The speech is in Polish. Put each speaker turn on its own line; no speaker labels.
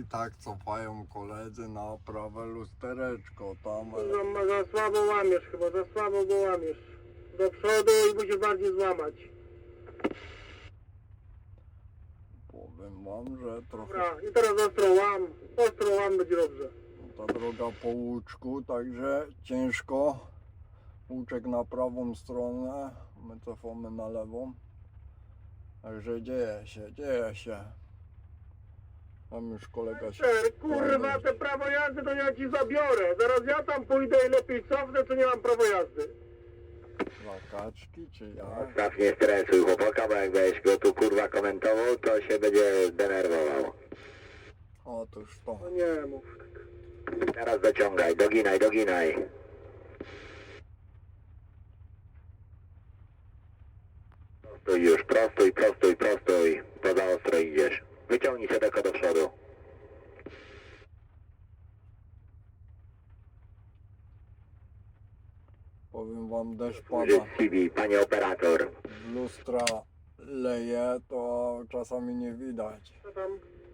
tak cofają koledzy na prawe lustereczko tam.
Za słabo łamiesz chyba, za słabo go łamiesz. Do przodu i musisz bardziej złamać.
Powiem wam, że trochę
Dobra, i teraz ostro łam będzie dobrze.
ta droga po łuczku, także ciężko. Łuczek na prawą stronę, my cofamy na lewą. Także dzieje się. Tam już kolega się...
Kurwa, te prawo jazdy to ja ci zabiorę. Zaraz ja tam pójdę i lepiej cofnę, to nie mam prawo jazdy.
Zakaczki czy ja?
Staw, nie stresuj chłopaka, bo jak będziesz go tu kurwa komentował, to się będzie denerwował.
Otóż to.
No nie mów tak.
Teraz dociągaj, doginaj. Prostuj już, prostuj. Poza ostro idziesz. Wyciągnij się tylko do przodu.
Powiem wam, deszcz
Użyć
pada,
CV, panie operator.
lustra leje, to czasami nie widać.
Co tam?